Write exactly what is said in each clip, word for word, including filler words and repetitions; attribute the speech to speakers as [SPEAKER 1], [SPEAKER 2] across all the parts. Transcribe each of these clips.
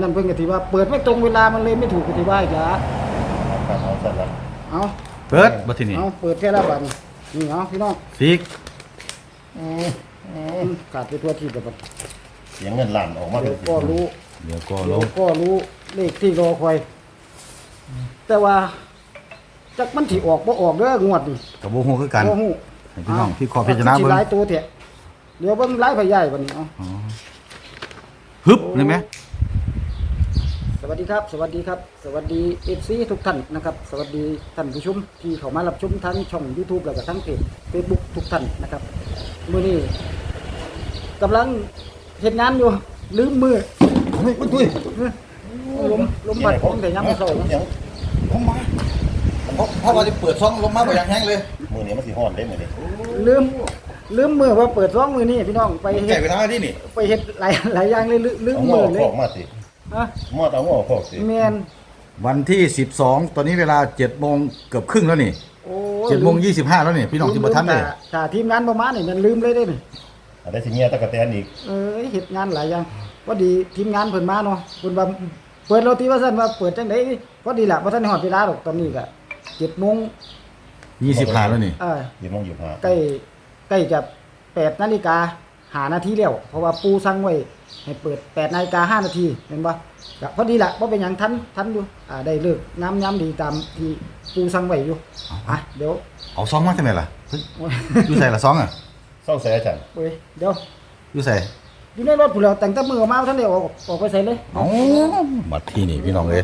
[SPEAKER 1] นั้นเพิ่นก็สิว่าเปิดไม่ตรงเวลามันเลยไม่ถูกก็สิว่าอีกล่ะ
[SPEAKER 2] ครับเอาสั่นละ
[SPEAKER 1] เอา
[SPEAKER 3] เปิดบัดทีนี้
[SPEAKER 1] เอาเปิดแค่ละบัดนี่เอาพี่น้อง
[SPEAKER 3] ฟิก
[SPEAKER 2] อืมอืม
[SPEAKER 1] ขาดไปทั่วที่แล้วบัด
[SPEAKER 2] เสียงเงินล้านออกมา
[SPEAKER 1] เดี๋ยวก็รู้
[SPEAKER 3] เดี๋ยวก็
[SPEAKER 1] เดี๋
[SPEAKER 3] ล
[SPEAKER 1] ยว
[SPEAKER 3] ง
[SPEAKER 1] ก็รู้เลขที่รอคอย แต่ว่าจักมันสิออกบ่ออกเด้องวดนี่
[SPEAKER 3] กับบ่ฮู้คือกัน
[SPEAKER 1] บ่ฮู้
[SPEAKER 3] ให้พี่น้องพี่ขอพิจารณา
[SPEAKER 1] สิ
[SPEAKER 3] เบิ่ง
[SPEAKER 1] หลายตัวแท้เดี๋ยวเบิ่งหลายพยายบัดนี้เอา
[SPEAKER 3] อ๋อฮึบได้ไหม
[SPEAKER 1] สวัสดีครับ สวัสดีครับ สวัสดี เอฟ ซี ทุกท่านนะครับ สวัสดีท่านผู้ชมที่เข้ามารับชมทั้งช่อง YouTube แล้วก็ทั้งเพจ Facebook ทุกท่านนะครับมื้อนี้กำลังเฮ็ดงานอยู่ลืมมือ
[SPEAKER 3] เฮ้ยตุ้ย
[SPEAKER 1] ลมลมพัดผมแต่ยามมื้อเช้า
[SPEAKER 2] เสียง
[SPEAKER 3] ผมมาเพราะเพราะว่าจะเปิดช่องลมมาบ่อย่างแห้งเลย
[SPEAKER 2] มือนี้มันสิฮ้อนได้มื้อนี้
[SPEAKER 1] ลืมลืมมือว่าเปิดร้องมือนี่พี่น้องไป
[SPEAKER 3] แก่
[SPEAKER 1] เฮ็ด
[SPEAKER 3] เวลาที่นี่
[SPEAKER 1] ไปเฮ็ดหลายหลายอย่างเลยลืลืม
[SPEAKER 2] เอาหม้
[SPEAKER 1] มื
[SPEAKER 2] อ
[SPEAKER 1] อเล
[SPEAKER 2] พ
[SPEAKER 1] ย
[SPEAKER 2] อกมาสิ
[SPEAKER 1] ฮะ
[SPEAKER 2] หม้อเอาหม้อพอกสิ
[SPEAKER 1] แม่น
[SPEAKER 3] วันที่สิบสองตอนนี้เวลาเจ็ดโมงเกือบครึ่งแล้วนี่
[SPEAKER 1] โอ้
[SPEAKER 3] เจ็ดโมงยี่สิบห้าแล้วนี่พี่น้องที่บ่ทันเลย
[SPEAKER 1] ถ้าทีมงานบ่มานี่มันลืมเลยเด้นี่
[SPEAKER 2] อันได้สิเมียตะกะแตนอีก
[SPEAKER 1] เอ้ยเฮ็ดงานหลายอย่างพอดีทีมงานเพิ่นมาเนาะเพิ่นว่าเปิดโรตีว่าซั่นว่าเปิดจังได๋พอดีล่ะบ่ทันได้ฮอดเวลาดอกตอนนี้ก็เจ็ดโมง
[SPEAKER 3] ยี่สิบห้าแล้วนี่
[SPEAKER 1] เออ
[SPEAKER 2] ยี่โมงยี่สิบห้า
[SPEAKER 1] ใกล้ใกล้จะแปดนาฬิกาห้านาทีแล้วเพราะว่าปูสั่งไว้ให้เปิดแปดนาฬิกาห้านาทีเห็นบ่ก็พอดีล่ะบ่เป็นหยังทันทันอยู่อ่าได้เลิกงามยามดีตามที่ปูสั่งไว้อยู่อ่ะเดี๋ยว
[SPEAKER 3] เอาซองมาใช่ไหมล่ะเฮ้ยอยู่ใส่ละซองอ่ะ
[SPEAKER 2] เศร้าแสอาจารย์
[SPEAKER 1] เว้ยเดี๋ยว
[SPEAKER 3] อยู่ใส่
[SPEAKER 1] อยู่ในรถผู้แล้วแต่งแต่มือออกมาท่านได้ออกออกไปใส่เลย
[SPEAKER 3] เอ้ามาที่นี่พี่น้องเอ้ย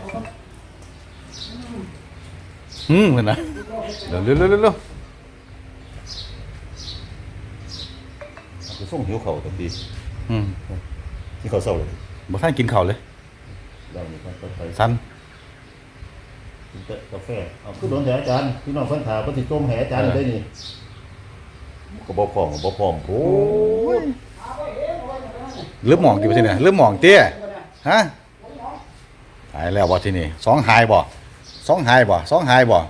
[SPEAKER 3] อืมเพิ่นน่ะเร็วเร็วเร็วเร็ว
[SPEAKER 2] คือส่งหิวเข่าตะกี้
[SPEAKER 3] อืม
[SPEAKER 2] ที่เขาเศร้าเลย
[SPEAKER 3] บ่ทันกินข้าวเลย
[SPEAKER 2] เรานี่ก็ไป
[SPEAKER 3] สั้น
[SPEAKER 2] กินแต่กาแฟเอาคือโดนแต่อาจารย์พี่น้องเพิ่นถามเพิ่นสิต้มแหอาจารย์ได้นี่ก็บ่พร้อมก็บ่พร้อมโอ้ย
[SPEAKER 3] เริ่มหมองกี่เปอร์เซ็นต์เนี่ยเริ่มหมองเตี้ยฮะหายแล้วบ่ที่นี่สองหายบ่สองหายบ่สองหายบ่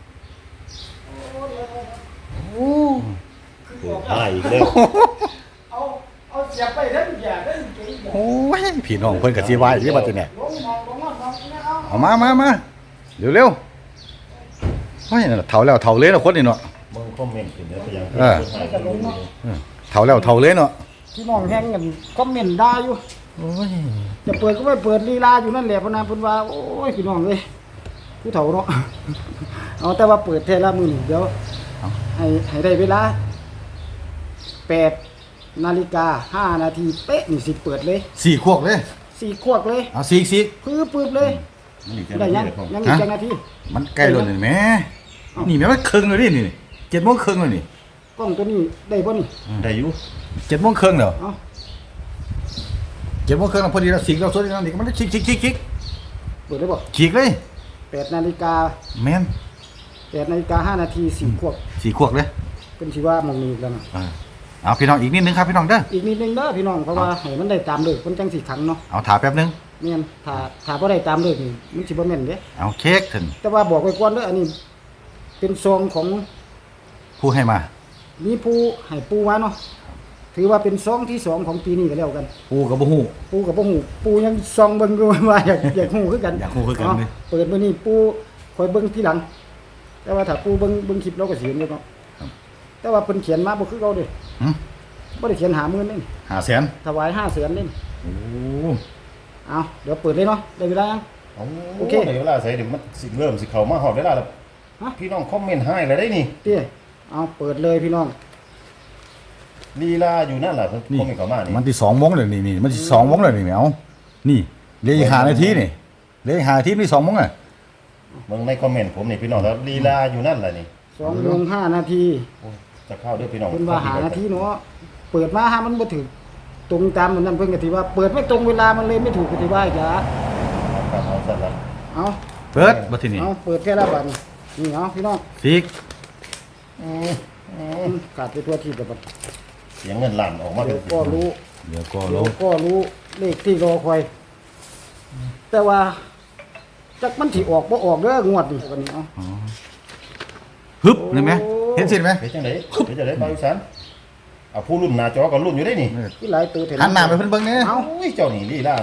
[SPEAKER 2] คือหายอีกแล้ว
[SPEAKER 1] เอาเอาเสียบไปทั้งอย่าทั้งเก๋
[SPEAKER 3] โอ้ยพี่น้องเพิ่นก็สิว่าอยู่ว่าที่เนี่ย
[SPEAKER 1] ลงมองลงมองมองเอา
[SPEAKER 3] เอามามามาเร็วๆโอ้ยนั่นน่ะเฒ่าแล้วเฒ่าเลยเนาะคนนี่เนาะ
[SPEAKER 2] มึงคอมเมนต์ขึ้นเด้อไปยัง
[SPEAKER 3] เออ
[SPEAKER 2] หายไปเลย
[SPEAKER 3] เออเฒ่าแล้วเฒ่าเลยเนาะ
[SPEAKER 1] พี่น้องแฮงกันคอมเมนต์ด่าอยู่
[SPEAKER 3] โอ้ย
[SPEAKER 1] จะเปิดก็ไม่เปิดลีลาอยู่นั่นแหละเพราะนั้นเพิ่นว่าโอ้ยพี่น้องเอ้ยผู้เฒ่าเนาะ เอาแต่ว่าเปิดแท้ละมื้อนี้เดี๋ยวให้ให้ได้เวลาแปดนาฬิกาห้านาทีเป๊ะนี่สิเปิดเลย
[SPEAKER 3] สี่ขวบเลย
[SPEAKER 1] สี่ขวบเลย
[SPEAKER 3] เอาสี่สี่
[SPEAKER 1] ปื้อปื้บเลย
[SPEAKER 2] มันอีก
[SPEAKER 1] ได้
[SPEAKER 2] แค่
[SPEAKER 1] ยัง
[SPEAKER 2] นี้ผม
[SPEAKER 1] ยังอีกจังนาที
[SPEAKER 3] มันใกล้แล้วนี่แหม่นี่แม่มันครึ่งแล้วนี่นี่เจ็ดโมงครึ่งแล้วนี่
[SPEAKER 1] กล้องตัวนี้ได้บ่นี่
[SPEAKER 2] ได้อยู่
[SPEAKER 3] เจ็ดโมงครึ่งแล้ว
[SPEAKER 1] เอา
[SPEAKER 3] เจ็ดโมงครึ่งแล้วพอดีเราสิงเราสดแล้วนี่ก็มันได้ชิกชิกชิกชิก
[SPEAKER 1] เปิดได้บ่
[SPEAKER 3] ฉีกเลย
[SPEAKER 1] แปดนาฬิกา
[SPEAKER 3] แม่น
[SPEAKER 1] แปดนาฬิกาห้านาทีสี่ขวบ
[SPEAKER 3] สี่ขวบเลย
[SPEAKER 1] เป็นสิว่าหมองนี้อีกแล้วนะ
[SPEAKER 3] อ่าเอาพี่น้องอีกนิดนึงครับพี่น้องเด้อ
[SPEAKER 1] อีกนิดนึงเด้อพี่น้องเพราะว่าให้มันได้ตามเลิกเพิ่นจังสิขังเนาะ
[SPEAKER 3] เอาถาแป๊บนึง
[SPEAKER 1] แม่นถ้าถ้าบ่ได้ตามเลิกนี่มันสิบ่แม่นเด้
[SPEAKER 3] เอาเค้กถึง
[SPEAKER 1] แต่ว่าบอกไว้ก่อนเด้ออันนี้ เป็นซองของ
[SPEAKER 3] ผู้ให้มา
[SPEAKER 1] มีผู้ให้ปูมาเนาะถือว่าเป็นซองที่สองของปีนี้ก็แล้วกัน
[SPEAKER 3] ผู้กับบ่ฮู้
[SPEAKER 1] ปูกับบ่ฮู้ปูยังซองเบิ่งอยู่ ว่าอยากอยากฮู้คือกัน
[SPEAKER 3] อยากฮู้คือกัน
[SPEAKER 1] เนาะ
[SPEAKER 3] เลย
[SPEAKER 1] เปิดมื้อนี้ปูคอยเบิ่งทีหลัง แต่ว่าถ้าปูเบิ่งเบิ่งคลิปเราก็สิเห็นอยู่เนาะแต่ว่าเพิ่นเขียนมาบ่คือเก่าเด้
[SPEAKER 3] หึ
[SPEAKER 1] บ่ได้เขียนหาหมื่นนี่
[SPEAKER 3] หาแสน
[SPEAKER 1] ถวายห้าแสนนี่
[SPEAKER 3] โอ้
[SPEAKER 1] เอาเดี๋ยวเปิดเลยเนาะได้เวลายัง
[SPEAKER 2] โอ
[SPEAKER 1] โอ
[SPEAKER 2] เค
[SPEAKER 1] เค
[SPEAKER 2] เดี๋ยวเวลาใส่เดี๋ยวมันสิเริ่มสิเข้ามาฮอดเวลาแล้ว
[SPEAKER 1] ฮะ
[SPEAKER 2] พี่น้องคอมเมนต์ให้แล้วได้นี่
[SPEAKER 1] เตี้ยเอาเปิดเลยพี่น้อง
[SPEAKER 2] ลีลาอยู่นั่นล่ะเพิ่น
[SPEAKER 3] นี่
[SPEAKER 2] คอมเมนต์เข้ามานี่
[SPEAKER 3] มันที่สองโมงเลยนี่นี่มันที่สองโมงเลยนี่แมวนี่เหลืออีกห้านาทีนี่เหลืออีกห้านาทีนี่สองโมงอ่ะ
[SPEAKER 2] เบิ่งในคอมเมนต์ผมนี่พี่น้องแล้วลีลาอยู่นั่นล่ะนี่
[SPEAKER 1] สองโมงห้านาที
[SPEAKER 2] โอ้ยจะเข้าด้วยพี่น้อง
[SPEAKER 1] เพิ่นว่าหานาทีเนาะเปิดมาหามันบ่ถึกตรงตามนั้นเพิ่นก็สิว่าเปิดไม่ตรงเวลามันเลยไม่ถูกก็สิว่าอีกล่ะ
[SPEAKER 2] ครับเอาสั่นละ
[SPEAKER 1] เอา
[SPEAKER 3] เปิดบัดทีนี้
[SPEAKER 1] เอาเปิดแค่ละบัดนี่เอาพี่น้อง
[SPEAKER 3] ฟิก
[SPEAKER 2] อืมอืม
[SPEAKER 1] ขาดไปทั่วที่แล้วบัด
[SPEAKER 2] เสียงเงินล้านออกมา
[SPEAKER 1] เดี๋ยวก็รู้
[SPEAKER 3] เดี๋ยวก็ล
[SPEAKER 1] เดี๋ยว
[SPEAKER 3] ง
[SPEAKER 1] ก็รู้เลขที่รอคอย แต่ว่าจักมันสิออกบ่ออกเด้องวดนี่วันนี้เอา
[SPEAKER 3] อ๋อฮึบเห็นไหมเห็นสิไหม
[SPEAKER 2] เฮ็ดจังได๋เฮ็ดจังได๋บ่าวอีสานเอาผู้รุ่นหน้าจอก็รุ่นอยู่ได้นี่
[SPEAKER 1] ที่หลายตัวเห็น
[SPEAKER 3] หันหน้าไปเพิ่นเบิ่งแหน่
[SPEAKER 1] เอา
[SPEAKER 2] โอ้ยเจ้านี่ลีลาเนาะ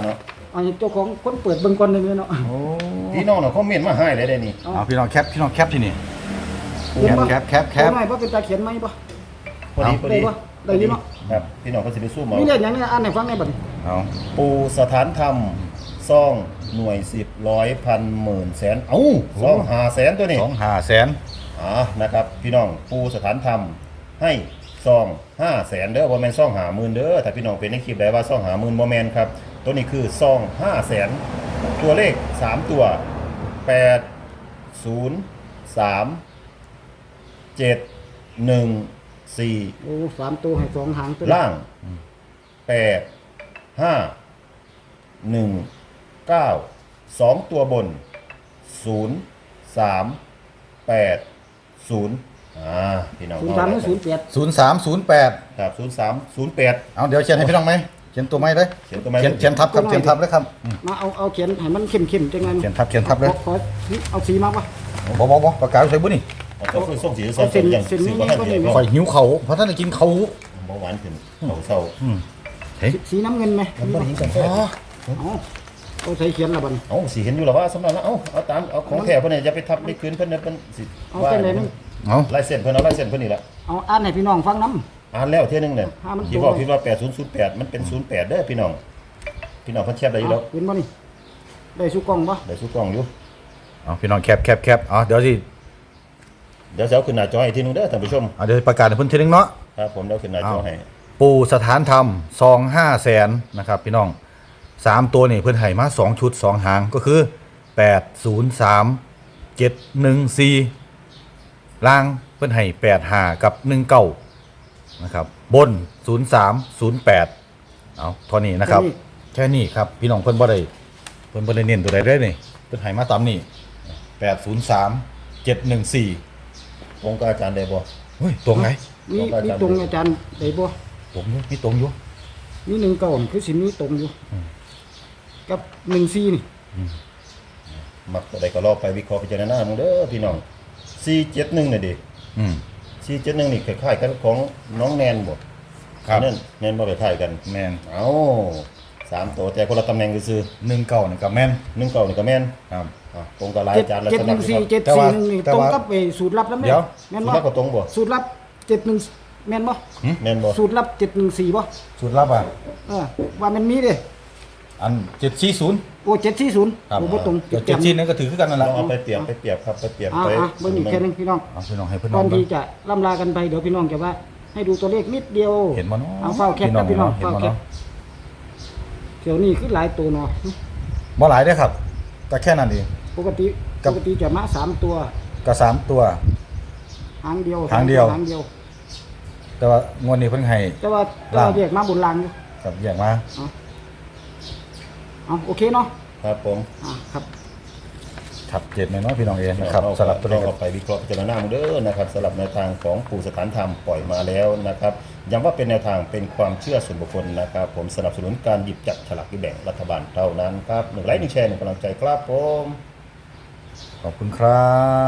[SPEAKER 1] เอาเจ้าของคนเปิดเบิ่งก่อนได้ไหมเนาะ
[SPEAKER 3] โอ้
[SPEAKER 2] พี่น้องน่ะคอมเมนต์มาให้เลยได้นี่
[SPEAKER 3] เอาพี่น้องแคปพี่น้องแคปที่นี่
[SPEAKER 1] เขียนบ่
[SPEAKER 3] แคปแคปแคป
[SPEAKER 1] เอาหน่อยบ่เป็นตาเขียนไหมบ่
[SPEAKER 2] พอดีพอ
[SPEAKER 1] ได้
[SPEAKER 2] ดี
[SPEAKER 1] บ่ได้อยู่เนาะ
[SPEAKER 2] ครับพี่น้องก็สิไปสู้หมอ
[SPEAKER 1] มีเลขหยังเนี่ยอ่านให้ฟังได้บ่นี่
[SPEAKER 3] เอา
[SPEAKER 2] ปูสถานธรรมซ่องหน่วยสิบร้อยพันหมื่นแสนเอ้าซ่องหาแสนตัวนี้
[SPEAKER 3] สองห้าแสน
[SPEAKER 2] อ่านะครับพี่น้องปูสถานธรรมให้ซองห้าแสนเด้อบ่แม่นซองหาหมื่นเด้อถ้าพี่น้องเป็นในคลิปได้ว่าซองหาหมื่นบ่แม่นครับตัวนี้คือซองห้าแสนตัวเลขสามตัวแปด ศูนย์ สาม เจ็ด หนึ่ง สี่
[SPEAKER 1] โอ้สามตัวให้สองหางตัว
[SPEAKER 2] ล่างแปด ห้า หนึ่ง เก้า สองตัวบนศูนย์ สาม แปด ศูนย์อ่าพี่น้อง
[SPEAKER 1] ศูนย์สามหรือศูนย์แปด
[SPEAKER 3] ศูนย์สามศูนย์แปด
[SPEAKER 2] ครับศูนย์ สาม ศูนย์ แปด
[SPEAKER 3] เอาเดี๋ยวเขียนให้พี่น้องไหมเขียนตัวไม้เลย
[SPEAKER 2] เขียนตัวไม้
[SPEAKER 3] เขียนเขียนทับครับเขียนทับเลยครับอืม
[SPEAKER 1] มาเอาเอาเขียนให้มันเข้มๆจังไง
[SPEAKER 3] เขียนทับเขียนทับเลย
[SPEAKER 1] ขอขอเอาสีมาป่ะ
[SPEAKER 3] บ่บ่บ่ประกาศใส่บุนี่
[SPEAKER 2] เอาตัวคือส่งสี
[SPEAKER 1] เอาเส้น
[SPEAKER 2] อย่าง
[SPEAKER 1] เส้นนี้
[SPEAKER 2] สีบ่ทันเดียว
[SPEAKER 1] ก็
[SPEAKER 3] ข่อยหิวเขาเพราะท่านได้กินเขา
[SPEAKER 2] เบาหวานขึ้นเขาเศร้า
[SPEAKER 3] อืมเฮ้ย
[SPEAKER 1] สีน้ำเงินไหม
[SPEAKER 2] มันบ่ได้ยินกัน
[SPEAKER 3] อ๋อ
[SPEAKER 1] เอาเอาใส่เขียนละบัดน
[SPEAKER 2] เอ้าสิเห็นอยู่หรอว่าสำนักแล้วเอ้าเอาตามเอาของแท้เพิ่นเนี่ยอย่าไปทับไปคืนเพิ่นเนี่ยเพิ่นสิ
[SPEAKER 1] เอา
[SPEAKER 2] ว่า
[SPEAKER 1] เส้นไหนนึง
[SPEAKER 3] เอา
[SPEAKER 2] ลายเส้นเพิ่นเอาลายเส้นเพิ่นนี่แหละ
[SPEAKER 1] เอาอ่านให้พี่น้องฟังน้
[SPEAKER 2] อ่านแล้วเที่ยหนึงเนี่ย
[SPEAKER 1] อ่ามัน
[SPEAKER 2] ที่บอก
[SPEAKER 1] ตรง
[SPEAKER 2] คิดว่าแปดศูนย์ศูนย์แปดมันเป็นศูนย์แปดเด้อพี่น้องพี่น้องเพิ่นเทียบได้
[SPEAKER 1] ำ
[SPEAKER 2] อยู่แล้ว
[SPEAKER 1] เอาเห็นบ่นี่ได้สุกล่องป่ะ
[SPEAKER 2] ได้สู้กล้องอยู่
[SPEAKER 3] เอาพี่น้องแคปแคปแคปเอาเดี๋ยวสิ
[SPEAKER 2] เดี๋ยวจะเอาขึ้นหน้าจอให้ทีนึงเด้อท่านผู้ชม
[SPEAKER 3] เอาเดี๋ยวประกาศให้เพิ่นทีนึงเนาะ
[SPEAKER 2] ครับผมเดี๋ยวขึ้นหน้าจอให้
[SPEAKER 3] ปู่สถานธรรมซองห้าแสนนะครับพี่น้องสามตัวนี่เพิ่นให้มาสองชุดสองหางก็คือแปดศูนย์สามเจ็ดหนึ่งสี่ล่างเพิ่นให้แปดห้ากับหนึ่งเก้านะครับบนศูนย์สามศูนย์แปดเอาเท่านี้นะครับ แค่นี้ครับพี่น้องเพิ่นบ่ได้เพิ่นบ่ได้เน้นตัวใดได้นี่เพิ่นให้มาตามนี้แปดศูนย์สามเจ็ดหนึ่งสี่
[SPEAKER 2] วงกับอาจารย์ได้บ่
[SPEAKER 3] เฮ้ยตรงไหน
[SPEAKER 1] มีมีตรงอาจารย์ได้บ่
[SPEAKER 3] ตรงอยู่มีตรงอยู่
[SPEAKER 1] มีหนึ่งเก่าคือสิมีตรงอยู่กับหนึ่งซีนี่
[SPEAKER 2] มักตัวใดก็รอไปวิเคราะห์พิจารณามึงเด้อพี่น้องสี่เจ็ดหนึ่งน่ะดิ
[SPEAKER 3] อืม
[SPEAKER 2] สี่เจ็ดหนึ่งนี่คล้ายๆกันของน้องแนนบ่
[SPEAKER 3] ครับ
[SPEAKER 2] นั่นแนนบ่คล้ายๆกัน
[SPEAKER 3] แมน
[SPEAKER 2] เอ้าสามตัวแต่คนละตำแหน่งซื่อ
[SPEAKER 3] หนึ่งเก้านี่กับแมน
[SPEAKER 2] ๆหนึ่งเก่านี่ก็แม่น
[SPEAKER 3] ครับ
[SPEAKER 2] อ่ะตรงกับหลาย
[SPEAKER 1] เจ็ด
[SPEAKER 2] อาจารย์แล้ว
[SPEAKER 1] เจ็ด
[SPEAKER 2] สำ
[SPEAKER 1] ห
[SPEAKER 2] หรั
[SPEAKER 1] นึ่
[SPEAKER 2] บ
[SPEAKER 1] งสี่เจ็ด
[SPEAKER 3] แต่
[SPEAKER 1] สี่
[SPEAKER 3] ว่า
[SPEAKER 1] หนึ่งนี่
[SPEAKER 3] แต่
[SPEAKER 1] ตรง
[SPEAKER 3] ว่า
[SPEAKER 1] กับไอ้สูตรลับแล้วแม่
[SPEAKER 3] เดี๋ยว
[SPEAKER 1] แม่น
[SPEAKER 2] สุ
[SPEAKER 1] บ่
[SPEAKER 2] นัขก็ตรงบ่
[SPEAKER 1] สูตรลับเจ็ดหนึ่งแม่นบ่
[SPEAKER 2] แม่นบ่
[SPEAKER 1] สูตรลับเจ็ดหนึ่งสี่บ่
[SPEAKER 3] สูตรลับอ่ะ
[SPEAKER 1] เออว่ามันมีเด้
[SPEAKER 3] อันเจ็ดสี่ศูนย์
[SPEAKER 1] โอ้เจ็ดสี่ศูนย์
[SPEAKER 3] ครับ
[SPEAKER 1] โอ้บ่ตรง
[SPEAKER 3] เจ็ดเจ็ดสี่นั่นก็ถือคือกันนั่นแห
[SPEAKER 2] ล
[SPEAKER 3] ละ
[SPEAKER 2] องเอาไปเปรียบไปเปรียบครับไปเปรียบ
[SPEAKER 1] อ่า
[SPEAKER 2] ไป
[SPEAKER 1] อ่ะเบิ่งอีกแค่นึงพี่น้อง
[SPEAKER 3] เอาพี่น้องให้เพื่อน
[SPEAKER 1] ก่อน
[SPEAKER 3] น้อง
[SPEAKER 1] ที่
[SPEAKER 3] เบิ่ง
[SPEAKER 1] จะล่ำลากันไปเดี๋ยวพี่น้องจะว่า ให้ดูตัวเลขนิดเดียว
[SPEAKER 3] เห็นบ่เนาะ
[SPEAKER 1] เอาเฝ้าแคปนะ
[SPEAKER 3] พี่
[SPEAKER 1] พี่
[SPEAKER 3] น้
[SPEAKER 1] น้
[SPEAKER 3] อ
[SPEAKER 1] อง ง
[SPEAKER 3] เห็น
[SPEAKER 1] เฝ้า
[SPEAKER 3] บ่
[SPEAKER 1] แคป
[SPEAKER 3] เนาะ
[SPEAKER 1] เดี๋ยวนี้คือหลายตัวเนาะ
[SPEAKER 3] บ่หลายได้อครับก็แค่นั้นเอง
[SPEAKER 1] ปกติ
[SPEAKER 3] กั
[SPEAKER 1] ป
[SPEAKER 3] บ
[SPEAKER 1] กติจะมาสามตัว
[SPEAKER 3] ก็สามตัว
[SPEAKER 1] หางเดียว
[SPEAKER 3] หางเดียว
[SPEAKER 1] หางเดียว
[SPEAKER 3] แต่ว่างวดนี้เพิ่นให้
[SPEAKER 1] แต่ว่าแต่
[SPEAKER 3] ล่าง
[SPEAKER 1] ว่าแยกมาบนรางอยู่
[SPEAKER 3] กับแยกมา
[SPEAKER 1] เอาเอาโอเคเนาะ
[SPEAKER 2] ครับผม
[SPEAKER 1] อ่าครับ
[SPEAKER 3] ชัดเจนเลยเนาะพี่น้องเองนะครับ
[SPEAKER 2] เอา
[SPEAKER 3] สำหรับตัวเลข
[SPEAKER 2] เอาไปวิเคราะห์พิจารณาเด้อนะครับสำหรับแนวทางของปู่สถานธรรมปล่อยมาแล้วนะครับย้ำว่าเป็นแนวทางเป็นความเชื่อส่วนบุคคลนะครับ ผมสนับสนุนการหยิบจับฉลากที่แบ่งรัฐบาลเท่านั้นครับหนึ่งไลค์หนึ่งแชร์หนึ่งกำลังใจครับผม
[SPEAKER 3] ขอบคุณครับ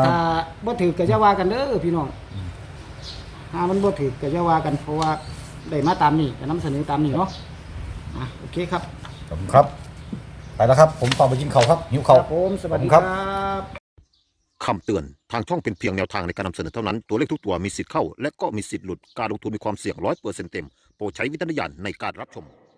[SPEAKER 1] ถ้าบ่ถือก็จะว่ากันเด้อพี่น้องถ้ามันบ่ถือก็จะว่ากันเพราะว่าได้มาตามนี้จะนำเสนอตามนี้เนาะอ่ะโอเคครับ
[SPEAKER 3] ขอบคุณครับไปแล้วครับ ผมต้องไปกินข้าวครับหิว
[SPEAKER 1] ค
[SPEAKER 3] ข้าว
[SPEAKER 1] รับผมสวัสดี
[SPEAKER 3] ขอบ
[SPEAKER 1] ค
[SPEAKER 3] คุณ
[SPEAKER 1] รับ
[SPEAKER 4] คำเตือน ทางช่องเป็นเพียงแนวทางในการนำเสนอเท่านั้น ตัวเลขทุกตัวมีสิทธิ์เข้า และก็มีสิทธิ์หลุด การลงทุนมีความเสี่ยงร้อยเปอร์เซ็นต์เต็ม โปรดใช้วิจารณญาณในการรับชม